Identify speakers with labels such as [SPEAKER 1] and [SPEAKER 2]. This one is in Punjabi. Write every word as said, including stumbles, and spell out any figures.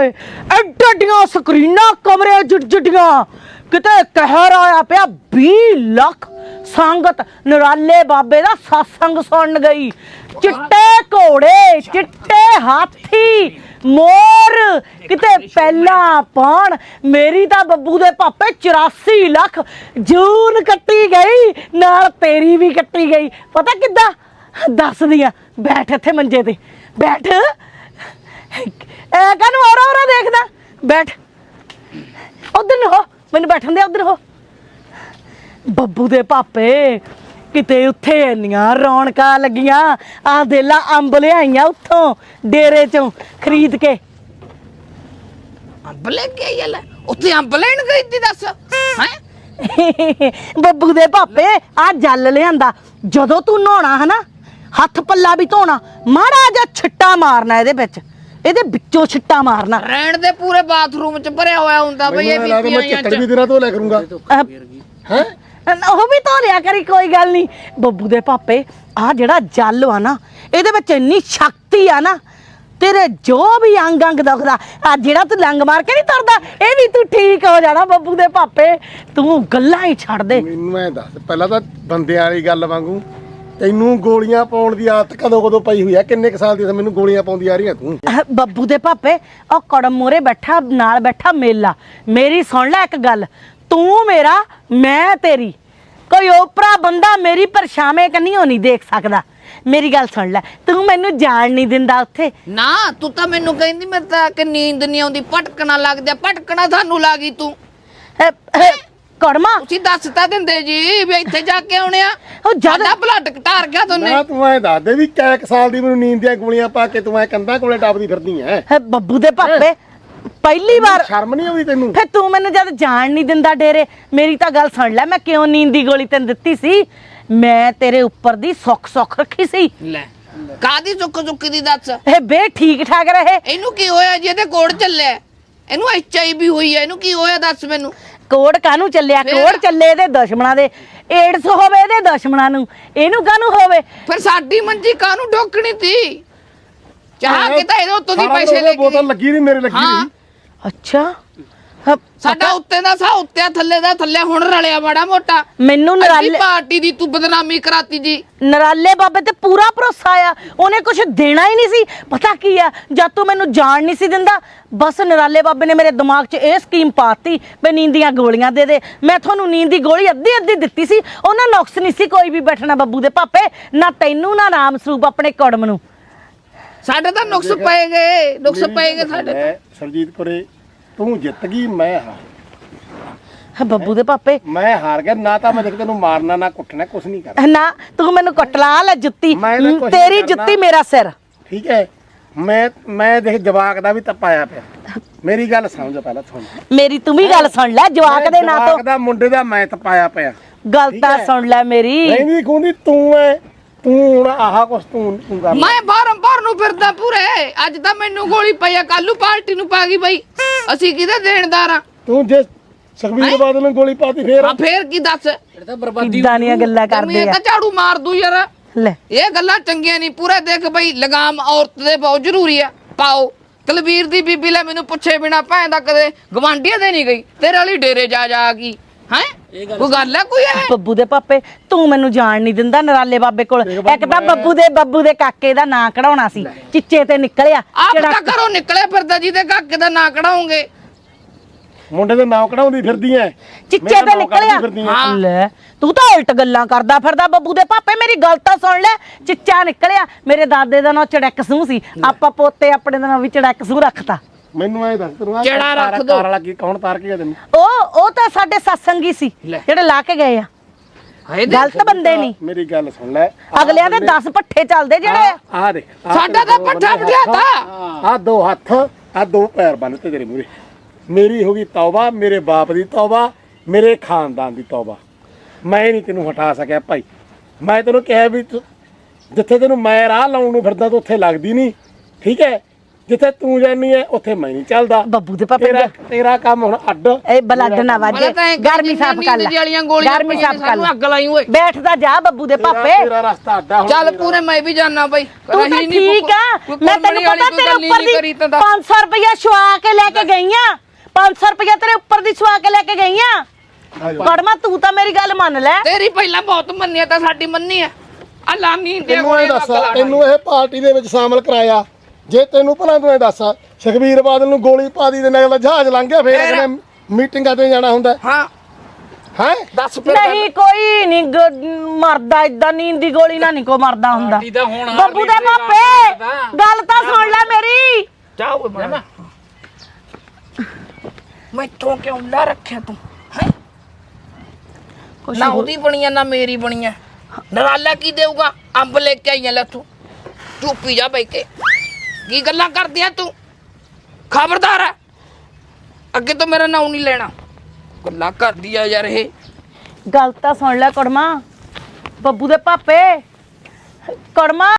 [SPEAKER 1] ਹੋਏ ਐਡੀਆਂ ਸਕਰੀਨਾਂ ਕਮਰੇ ਜੁੱਡੀਆਂ ਕਿਤੇ ਕਹਿਰ ਆਇਆ ਪਿਆ ਵੀਹ ਲੱਖ ਸੰਗਤ ਨਰਾਲੇ ਬਾਬੇ ਦਾ ਸਤਸੰਗ ਸੁਣਨ ਗਈ। ਚਿੱਟੇ ਘੋੜੇ ਚਿੱਟੇ ਹਾਥੀ ਮੋਰ ਕਿਤੇ ਪਹਿਲਾਂ ਪਾਣ ਮੇਰੀ ਤਾਂ ਬੱਬੂ ਦੇ ਪਾਪੇ ਚੁਰਾਸੀ ਲੱਖ ਜੂਨ ਕੱਟੀ ਗਈ ਨਾਲ ਤੇਰੀ ਵੀ ਕੱਟੀ ਗਈ। ਪਤਾ ਕਿੱਦਾਂ ਦੱਸਦੀ ਆ ਬੈਠ ਇੱਥੇ ਮੰਜੇ ਤੇ ਬੈਠ ਐ ਕਾਹਨੂੰ ਔਰਾ ਔਰਾ ਦੇਖਦਾ ਬੈਠ ਉਧਰ ਹੋ ਮੈਨੂੰ ਬੈਠਣ ਦੇ ਉਧਰ ਹੋ। ਬੱਬੂ ਦੇ ਪਾਪੇ ਕਿਤੇ ਉੱਥੇ ਇੰਨੀਆਂ ਰੌਣਕਾਂ ਲੱਗੀਆਂ ਆ ਦੇਲਾ ਅੰਬ ਲਿਆਈਆਂ ਉੱਥੋਂ ਡੇਰੇ ਚੋਂ ਖਰੀਦ ਕੇ।
[SPEAKER 2] ਅੰਬ ਲੈ ਕੇ ਆਈ ਲੈ ਉੱਥੇ ਅੰਬ ਲੈਣ ਗਈ ਤੀ ਦੱਸ ਹੈ
[SPEAKER 1] ਬੱਬੂ ਦੇ ਪਾਪੇ ਆ ਜਲ ਲਿਆਂਦਾ ਜਦੋਂ ਤੂੰ ਨਹਾਉਣਾ ਹਨਾ ਹੱਥ ਪੱਲਾ ਵੀ ਧੋਣਾ ਮਾੜਾ ਜਿਹਾ ਛਿੱਟਾ ਮਾਰਨਾ ਇਹਦੇ ਵਿੱਚ ਇਹਦੇ ਵਿੱਚੋਂ ਛਿੱਟਾ ਮਾਰਨਾ
[SPEAKER 2] ਰਹਿਣ ਦੇ ਪੂਰੇ ਬਾਥਰੂਮ ਚ ਭਰਿਆ ਹੋਇਆ ਹੁੰਦਾ ਬਈ ਇਹ ਬੀਬੀਆਂ
[SPEAKER 3] ਮੈਂ ਚੱਕੜ ਵੀ ਤੇਰਾ ਧੋ ਲਿਆ ਕਰੂੰਗਾ
[SPEAKER 1] ਹੈ ਉਹ ਵੀ ਧੋ ਲਿਆ ਕਰੀ ਕੋਈ ਗੱਲ ਨਹੀਂ। ਬੱਬੂ ਦੇ ਪਾਪੇ ਆ ਜਿਹੜਾ ਜਲ ਆ ਨਾ ਇਹਦੇ ਵਿੱਚ ਇੰਨੀ ਸ਼ਕਤੀ ਆ ਨਾ ਤੇਰੇ ਜੋ ਵੀ ਅੰਗ ਅੰਗ ਦੁਖਦਾ ਆ ਜਿਹੜਾ ਤੂੰ ਲੰਗ ਮਾਰ ਕੇ ਨਹੀਂ ਤੁਰਦਾ ਇਹ ਵੀ ਤੂੰ ਠੀਕ ਹੋ ਜਾਣਾ ਬੱਬੂ ਦੇ ਪਾਪੇ। ਤੂੰ ਗੱਲਾਂ ਹੀ ਛੱਡ ਦੇ
[SPEAKER 3] ਮੈਨੂੰ ਐ ਦੱਸ ਪਹਿਲਾਂ ਤਾਂ ਬੰਦਿਆਂ ਵਾਲੀ ਗੱਲ ਵਾਂਗੂ ਤੈਨੂੰ ਗੋਲੀਆਂ ਪਾਉਣ ਦੀ ਆਦਤ ਕਦੋਂ ਕਦੋਂ ਪਈ ਹੋਈ ਆ ਕਿੰਨੇ ਕ ਸਾਲ ਦੀ ਮੈਨੂੰ ਗੋਲੀਆਂ ਪਾਉਂਦੀ ਆ ਰਹੀ ਆ ਤੂੰ।
[SPEAKER 1] ਬੱਬੂ ਦੇ ਪਾਪੇ ਉਹ ਕੜਮ ਮੋਰੇ ਬੈਠਾ ਨਾਲ ਬੈਠਾ ਮੇਲਾ ਮੇਰੀ ਸੁਣ ਲੈ ਇੱਕ ਗੱਲ ਤੂੰ ਮੇਰਾ ਮੈਂ ਤੇਰੀ ਕੋਈ ਓਪਰਾ ਬੰਦਾ ਮੇਰੀ ਪਰਛਾਵੇਂ ਕੰਨੀ ਨਹੀਂ ਦੇਖ ਸਕਦਾ। ਮੇਰੀ ਗੱਲ ਸੁਣ ਲੈ ਤੂੰ ਮੈਨੂੰ ਜਾਣ ਨਹੀਂ ਦਿੰਦਾ ਉੱਥੇ
[SPEAKER 2] ਨਾ ਤੂੰ ਤਾਂ ਮੈਨੂੰ ਕਹਿੰਦੀ ਮੈਂ ਤਾਂ ਕਿ ਨੀਂਦ ਨਹੀਂ ਆਉਂਦੀ ਭਟਕਣਾ ਲੱਗਦਾ ਭਟਕਣਾ ਤੁਹਾਨੂੰ ਲੱਗੀ ਤੂੰ
[SPEAKER 1] ਕੜਮਾ
[SPEAKER 2] ਤੁਸੀਂ ਦੱਸ ਤਾਂ ਦਿੰਦੇ ਜੀ ਵੀ ਇੱਥੇ ਜਾ ਕੇ ਆਉਣੇ ਆ
[SPEAKER 1] ਉਹ ਜਿਆਦਾ
[SPEAKER 2] ਬਲੱਡ ਘਟਾਰ ਗਿਆ ਤੁਹਾਨੂੰ
[SPEAKER 3] ਨਾ ਤੂੰ ਐ ਦੱਸ ਦੇ ਵੀ ਕੈਕ ਸਾਲ ਦੀ ਮੈਨੂੰ ਨੀਂਦ ਦੀਆਂ ਗੋਲੀਆਂ ਪਾ ਕੇ ਤੂੰ ਐ ਕੰਧਾਂ ਕੋਲੇ ਟੱਪਦੀ ਫਿਰਦੀ ਐ
[SPEAKER 1] ਬੱਬੂ ਦੇ ਪਾਪੇ ਪਹਿਲੀ ਵਾਰ
[SPEAKER 3] ਸ਼ਰਮ ਨਹੀਂ ਆਉਂਦੀ ਤੈਨੂੰ
[SPEAKER 1] ਫੇ ਤੂੰ ਮੈਨੂੰ ਜਦ ਜਾਣ ਨਹੀਂ ਦਿੰਦਾ ਡੇਰੇ ਮੇਰੀ ਤਾਂ ਗੱਲ ਸੁਣ ਲੈ ਮੈਂ ਕਿਉਂ ਨੀਂਦ ਦੀ ਗੋਲੀ ਤੈਨੂੰ ਦਿੱਤੀ ਸੀ ਮੈਂ ਤੇਰੇ ਉੱਪਰ ਦੀ ਸੁੱਖ ਸੁੱਖ ਰੱਖੀ ਸੀ।
[SPEAKER 2] ਲੈ ਕਾਦੀ ਚੁੱਕ ਚੁੱਕੀ ਦੀ ਦੱਸ
[SPEAKER 1] ਇਹ ਬੇ ਠੀਕ ਠਾਕ ਰਹੇ
[SPEAKER 2] ਇਹਨੂੰ ਕੀ ਹੋਇਆ ਜੀ ਇਹਦੇ ਕੋੜ ਚੱਲਿਆ ਇਹਨੂੰ ਐਚ ਆਈ ਵੀ ਹੋਈ ਹੈ ਇਹਨੂੰ ਕੀ ਹੋਇਆ ਦੱਸ ਮੈਨੂੰ
[SPEAKER 1] ਕੋੜ ਕਾਹਨੂੰ ਚੱਲਿਆ ਕੋੜ ਚੱਲੇ ਇਹਦੇ ਦੁਸ਼ਮਣਾਂ ਦੇ ਏਡਸ ਹੋਵੇ ਇਹਦੇ ਦੁਸ਼ਮਣਾਂ ਨੂੰ ਇਹਨੂੰ ਕਾਹਨੂੰ ਹੋਵੇ
[SPEAKER 2] ਫਿਰ ਸਾਡੀ ਮੰਜੀ ਕਾਹਨੂੰ ਢੋਕਣੀ ਤੀ ਚਾਹ ਕੇ ਤਾਂ ਇਹਦੇ ਉੱਤੋਂ ਦੀ ਪੈਸੇ ਲੈ ਕੇ
[SPEAKER 3] ਬੋਤਲ ਲੱਗੀ ਨਹੀਂ ਮੇਰੇ ਲੱਗੀ ਨਹੀਂ
[SPEAKER 1] ਅੱਛਾ
[SPEAKER 2] ਸਾਡਾ ਉੱਤੇ ਦਾ ਸਾ ਉੱਤੇ ਥੱਲੇ ਦਾ ਥੱਲੇ ਹੁਣ ਰਲਿਆ ਮਾੜਾ ਮੋਟਾ
[SPEAKER 1] ਮੈਨੂੰ ਨਰਾਲੇ
[SPEAKER 2] ਪਾਰਟੀ ਦੀ ਤੂੰ ਬਦਨਾਮੀ ਕਰਾਤੀ ਜੀ
[SPEAKER 1] ਨਰਾਲੇ ਬਾਬੇ ਤੇ ਪੂਰਾ ਭਰੋਸਾ ਆ ਉਹਨੇ ਕੁਝ ਦੇਣਾ ਹੀ ਨਹੀਂ ਸੀ। ਪਤਾ ਕੀ ਆ ਜਦ ਤੂੰ ਮੈਨੂੰ ਜਾਣ ਨਹੀਂ ਸੀ ਦਿੰਦਾ ਬਸ ਨਰਾਲੇ ਬਾਬੇ ਨੇ ਮੇਰੇ ਦਿਮਾਗ 'ਚ ਇਹ ਸਕੀਮ ਪਾਤੀ ਵੀ ਨੀਂਦ ਦੀਆਂ ਗੋਲੀਆਂ ਦੇ ਦੇ। ਮੈਂ ਤੁਹਾਨੂੰ ਨੀਂਦ ਦੀ ਗੋਲੀ ਅੱਧੀ ਅੱਧੀ ਦਿੱਤੀ ਸੀ ਉਹਨਾਂ ਨੁਕਸ ਨਹੀਂ ਸੀ ਕੋਈ ਵੀ ਬੈਠਣਾ ਬੱਬੂ ਦੇ ਪਾਪੇ ਨਾ ਤੈਨੂੰ ਨਾ ਰਾਮ ਸਰੂਪ ਆਪਣੇ ਕੜਮ ਨੂੰ।
[SPEAKER 2] ਸਾਡੇ ਤਾਂ ਨੁਕਸ ਪਏ ਗਏ ਨੁਕਸ ਪਏ ਗਏ ਸਾਡੇ
[SPEAKER 3] ਸਰਜੀਤ ਕੋਰੇ ਤੂੰ ਜਿੱਤ ਗਈ ਮੈਂ ਹਾਰ
[SPEAKER 1] ਬੱਬੂ ਦੇ ਪਾਪੇ
[SPEAKER 3] ਮੈਂ ਹਾਰ ਗਿਆ ਨਾ ਤਾਂ ਮੈਂ ਦੇਖ ਤੈਨੂੰ ਮਾਰਨਾ ਨਾ ਕੁੱਟਣਾ ਕੁਛ ਨਹੀਂ ਕਰਨਾ
[SPEAKER 1] ਨਾ ਤੂੰ ਮੈਨੂੰ ਕਟਲਾ ਲੈ ਜੁੱਤੀ ਤੇਰੀ ਜੁੱਤੀ ਮੇਰਾ ਸਿਰ
[SPEAKER 3] ਠੀਕ ਹੈ। ਮੈਂ ਮੈਂ ਦੇਖ ਜਵਾਕ ਦਾ ਵੀ ਤਪਾਇਆ ਪਿਆ ਮੇਰੀ ਗੱਲ ਸਮਝ ਪਹਿਲਾਂ ਸੁਣ
[SPEAKER 1] ਮੇਰੀ ਤੂੰ ਵੀ ਗੱਲ ਸੁਣ ਲੈ ਜਵਾਕ ਦੇ ਨਾਂ ਤੋਂ
[SPEAKER 3] ਜਵਾਕ ਦਾ ਮੁੰਡੇ ਦਾ ਮੈਂ ਤਪਾਇਆ ਪਿਆ
[SPEAKER 1] ਗੱਲ ਤਾਂ ਸੁਣ ਲੈ ਮੇਰੀ
[SPEAKER 3] ਨਹੀਂ ਨਹੀਂ ਖੁੰਦੀ ਤੂੰ ਐ ਤੂੰ ਹੁਣ ਆਹ ਕੁਛ ਤੂੰ ਤੂੰ ਕਰ
[SPEAKER 2] ਮੈਂ ਬਾਹਰੋਂ ਬਾਹਰ ਨੂੰ ਫਿਰਦਾ ਪੂਰੇ ਅੱਜ ਤਾਂ ਮੈਨੂੰ ਗੋਲੀ ਪਈ ਆ ਕੱਲੂ ਪਾਰਟੀ ਨੂੰ ਪਾ ਗਈ ਬਈ ਅਸੀਂ ਕਿਹਦੇ ਦੇਣਦਾਰ ਆ
[SPEAKER 3] ਤੂੰ ਜੇ ਸੁਖਬੀਰ ਬਾਦਲ ਨੂੰ ਗੋਲੀ ਪਾਤੀ ਫੇਰ
[SPEAKER 2] ਹਾਂ ਫੇਰ ਕੀ ਦੱਸ ਇਹ ਤਾਂ ਬਰਬਾਦੀ
[SPEAKER 1] ਕਿੱਦਾਂ ਦੀਆਂ ਗੱਲਾਂ ਕਰਦੇ ਆ
[SPEAKER 2] ਤਾਂ ਝਾੜੂ ਮਾਰ ਦੂ ਯਾਰ
[SPEAKER 1] ਲੈ
[SPEAKER 2] ਇਹ ਗੱਲਾਂ ਚੰਗੀਆਂ ਨਹੀਂ ਪੂਰਾ ਦੇਖ ਬਈ ਲਗਾਮ ਔਰਤ ਦੇ ਬਹੁਤ ਜ਼ਰੂਰੀ ਆ ਪਾਓ ਤਲਵੀਰ ਦੀ ਬੀਬੀ ਲੈ ਮੈਨੂੰ ਪੁੱਛੇ ਬਿਨਾ ਭੈਣ ਦਾ ਕਦੇ ਗਵਾਂਢੀਆਂ ਦੇ ਨਹੀਂ ਗਈ ਤੇਰੇ ਵਾਲੀ ਡੇਰੇ ਜਾ ਜਾ ਗਈ ਹੈ ਕੋਈ ਗੱਲ ਹੈ ਕੋਈ ਹੈ
[SPEAKER 1] ਬੱਬੂ ਦੇ ਪਾਪੇ ਤੂੰ ਮੈਨੂੰ ਜਾਣ ਨਹੀਂ ਦਿੰਦਾ ਨਰਾਲੇ ਬਾਬੇ ਕੋਲ ਇੱਕ ਤਾਂ ਬੱਬੂ ਦੇ ਬੱਬੂ ਦੇ ਕਾਕੇ ਦਾ ਨਾਂ ਕਢਾਉਣਾ ਸੀ ਚਿੱਚੇ ਤੇ ਨਿਕਲਿਆ
[SPEAKER 2] ਆਪ ਤਾਂ ਘਰੋਂ ਨਿਕਲੇ ਫਿਰਦਾ ਜਿਹਦੇ ਕਾਕੇ ਦਾ ਨਾਂ ਕਢਾਉਂਗੇ
[SPEAKER 3] ਮੁੰਡੇ ਦੇ ਨਾਂ ਕਢਾਉਂਦੀ ਫਿਰਦੀ ਐ
[SPEAKER 1] ਚਿੱਚੇ ਤੇ ਨਿਕਲਿਆ ਲੈ ਤੂੰ ਤਾਂ ਉਲਟ ਗੱਲਾਂ ਕਰਦਾ ਫਿਰਦਾ ਬੱਬੂ ਦੇ ਪਾਪੇ ਮੇਰੀ ਗੱਲ ਤਾਂ ਸੁਣ ਲੈ ਚਿੱਚਾ ਨਿਕਲਿਆ ਮੇਰੇ ਦਾਦੇ ਦਾ ਨਾਂ ਚੜਕ ਸੂ ਸੀ ਆਪਾਂ ਪੋਤੇ ਆਪਣੇ ਦਾ ਨਾਂ ਵੀ ਚੜਕ ਸੂ ਰੱਖਤਾ
[SPEAKER 3] ਮੈਨੂੰ ਐ ਦੱਸ ਤੈਨੂੰ
[SPEAKER 2] ਜਿਹੜਾ ਰੱਖ ਦੋ
[SPEAKER 3] ਕਾਰ ਵਾਲਾ ਕੀ ਕੌਣ ਤਾਰ ਕੇ ਗਿਆ ਤੈਨੂੰ
[SPEAKER 1] ਉਹ ਉਹ ਤਾਂ ਸਾਡੇ ਸਤਸੰਗੀ ਸੀ ਜਿਹੜੇ ਲਾ ਕੇ ਗਏ ਆ ਗਲਤ ਬੰਦੇ ਨਹੀਂ
[SPEAKER 3] ਮੇਰੀ ਗੱਲ ਸੁਣ ਲੈ
[SPEAKER 1] ਅਗਲਿਆਂ ਦੇ ਦਸ ਪੱਠੇ ਚੱਲਦੇ ਜਿਹੜੇ
[SPEAKER 3] ਆ ਦੇਖ
[SPEAKER 2] ਸਾਡਾ ਤਾਂ ਪੱਠਾ ਬਿਠਾਤਾ
[SPEAKER 3] ਆ ਦੋ ਹੱਥ ਆ ਦੋ ਪੈਰ ਬੰਨਤੇ ਤੇਰੇ ਮੂਰੇ ਮੇਰੀ ਹੋ ਗਈ ਤੌਬਾ ਮੇਰੇ ਬਾਪ ਦੀ ਤੌਬਾ ਮੇਰੇ ਖਾਨਦਾਨ ਦੀ ਤੌਬਾ ਮੈਂ ਨਹੀਂ ਤੈਨੂੰ ਹਟਾ ਸਕਿਆ ਭਾਈ ਮੈਂ ਤੈਨੂੰ ਕਿਹਾ ਵੀ ਜਿੱਥੇ ਤੈਨੂੰ ਮੈਂ ਰਾਹ ਲਾਉਣ ਨੂੰ ਫਿਰਦਾ ਤੂੰ ਉੱਥੇ ਲੱਗਦੀ ਨਹੀਂ ਠੀਕ ਹੈ ਜਿੱਥੇ ਤੂੰ ਜਾਨੀ ਐ ਉੱਥੇ ਮੈਂ ਨਹੀਂ ਚੱਲਦਾ।
[SPEAKER 1] ਬੱਬੂ ਦੇ ਪਾਪੇ
[SPEAKER 3] ਤੇਰਾ ਤੇਰਾ ਕੰਮ ਹੁਣ ਅੱਡ।
[SPEAKER 1] ਇਹ ਬਲੱਡ ਨਾ ਵਾਜੇ ਗਰਮੀ ਸਾਫ ਕਰ ਲੈ
[SPEAKER 2] ਵਾਲੀਆਂ ਗੋਲੀਆਂ
[SPEAKER 1] ਗਰਮੀ ਸਾਫ ਕਰ ਲੈ
[SPEAKER 2] ਅੱਗ ਲਾਈ ਓਏ
[SPEAKER 1] ਬੈਠਦਾ ਜਾ ਬੱਬੂ ਦੇ
[SPEAKER 3] ਤੇਰਾ-
[SPEAKER 1] ਪਾਪੇ
[SPEAKER 3] ਤੇਰਾ ਰਸਤਾ ਅੱਡਾ ਹੁਣ।
[SPEAKER 2] ਚੱਲ ਪੂਰੇ ਮੈਂ ਵੀ ਜਾਣਾ ਬਈ
[SPEAKER 1] ਤੂੰ ਤਾਂ
[SPEAKER 2] ਰਹੀ ਨੀ
[SPEAKER 1] ਠੀਕ ਆ
[SPEAKER 2] ਕੋਈ
[SPEAKER 1] ਮੈਂ ਤੈਨੂੰ
[SPEAKER 2] ਕੁਰਬਾਨੀ
[SPEAKER 1] ਪਤਾ
[SPEAKER 2] ਵਾਲੀ
[SPEAKER 1] ਤੇਰੇ
[SPEAKER 2] ਕੋਈ
[SPEAKER 1] ਉੱਪਰ
[SPEAKER 2] ਗੱਲ
[SPEAKER 1] ਦੀ
[SPEAKER 2] ਨਹੀਂ ਕਰੀ
[SPEAKER 1] ਪੰਜ ਸੌ ਰੁਪਇਆ ਛੁਆ ਕੇ ਲੈ ਕੇ ਗਈ ਆ ਪੰਜ ਸੌ ਰੁਪਇਆ ਤੇਰੇ ਉੱਪਰ ਦੀ ਛੁਆ ਕੇ ਲੈ ਕੇ ਗਈ ਆ ਕੜਮਾ ਤੂੰ ਤਾਂ ਮੇਰੀ ਗੱਲ ਮੰਨ ਲੈ
[SPEAKER 2] ਤੇਰੀ ਪਹਿਲਾਂ ਬਹੁਤ ਮੰਨੀ ਤਾਂ ਸਾਡੀ ਮੰਨੀ ਆ ਆ ਲਾਨੀ ਦੇ
[SPEAKER 3] ਤੈਨੂੰ ਇਹ ਦੱਸ ਤੈਨੂੰ ਇਹ ਪਾਰਟੀ ਦੇ ਵਿੱਚ ਸ਼ਾਮਲ ਕਰਾਇਆ ਜੇ ਤੈਨੂੰ ਭਲਾ ਤੂੰ ਇਹ ਦੱਸ ਸੁਖਬੀਰ ਬਾਦਲ ਨੂੰ ਗੋਲੀ ਪਾ ਦੀ ਤੇ ਨਾਲ ਜਹਾਜ਼ ਲੰਘ ਗਿਆ ਫੇਰ
[SPEAKER 2] ਫੇਰ?
[SPEAKER 3] ਅਗਲੇ ਮੀਟਿੰਗਾਂ ਤੇ ਜਾਣਾ ਹੁੰਦਾ
[SPEAKER 2] ਹਾਂ
[SPEAKER 3] ਹੈ।
[SPEAKER 2] ਦੱਸ ਫਿਰ
[SPEAKER 1] ਨਹੀਂ ਕੋਈ ਨਹੀਂ ਮਰਦਾ ਇਦਾਂ ਨੀਂਦ ਦੀ ਗੋਲੀ ਨਾਲ ਨਹੀਂ ਕੋ ਮਰਦਾ ਹੁੰਦਾ ਬੱਬੂ ਦੇ ਪਾਪੇ ਗੱਲ ਤਾਂ ਸੁਣ ਲੈ ਮੇਰੀ
[SPEAKER 2] ਜਾਓ ਮੈਂ ਮੈਂ ਤੋਂ ਕਿਉਂ ਲਾ ਰੱਖਿਆ ਤੂੰ ਹੈ ਨਾ ਉਹਦੀ ਬਣੀ ਆ ਨਾ ਮੇਰੀ ਬਣੀ ਆ ਨਰਾਲਾ ਕੀ ਦੇਊਗਾ ਅੰਬ ਲੈ ਕੇ ਆਈਆਂ ਲੈ ਤੂੰ ਚੁੱਪੀ ਜਾ ਬੈ ਕੇ ਕੀ ਗੱਲਾਂ ਕਰਦੀ ਆ ਤੂੰ ਖਬਰਦਾਰ ਹੈ ਅੱਗੇ ਤੋਂ ਮੇਰਾ ਨਾਮ ਨਹੀਂ ਲੈਣਾ ਗੱਲਾਂ ਕਰਦੀ ਆ ਯਾਰ ਇਹ
[SPEAKER 1] ਗੱਲ ਤਾਂ ਸੁਣ ਲੈ ਕੜਮਾ ਬੱਬੂ ਦੇ ਪਾਪੇ ਕੜਮਾ